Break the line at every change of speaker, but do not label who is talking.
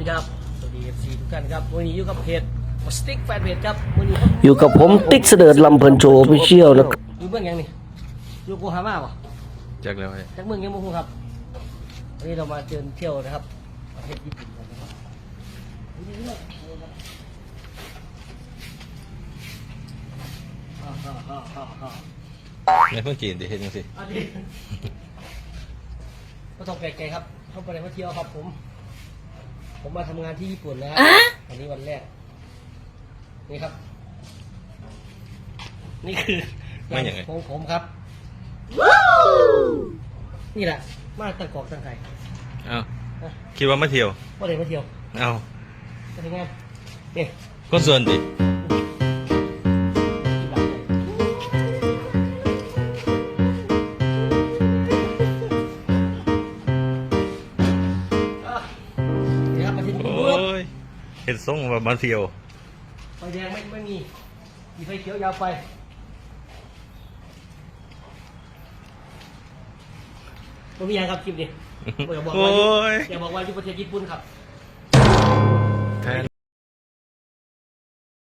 ครับสวัสดี FC ทุกท่านครับวันนี้อยู่กับเพจสติ๊กแฟนเพจครับวันนี้
อยู่กับผมติ๊กเสดิร์ดลำเพลินโชว์ออฟฟิเชียลนะครับ
อยู่เมืองยังนี่อยู่โกฮาม่าป่ะ
จากแล้วไอ้
จากเมืองยังมุกครับวันนี้เรามาเดินเที่ยวนะครับประเทศญี่ปุ่นกันนะครับ
ในเพิ่งจีนดิเห็นยังสิ
อันนี้ก็ต้องแปลกใจครับเข้าไปในมาเที่ยวครับผมมาทำงานที่ญี่ปุ่นนะครับวันนี้วันแรกนี่ครับ นี่คือของผมครับนี่แหละมาตั้งกอกตั้งไก่
เอ้าคิดว่ามาเที่ยว
ว่าเลยมาเที่ยว
เอ้า
มาทำงานนี่
คนส่วนดิ
นี่ครับมาที่นี่
โอ้ยเห็นทรงว่ามาเที่ยว
ไฟแดงไม่มีมีไฟเขียวยาวไปผมมีอย่างครับคลิปนี้อย่าบอก
โอ้
ว่าย อย่าบอกว่าอยู่ประเทศญี่ปุ่นครับ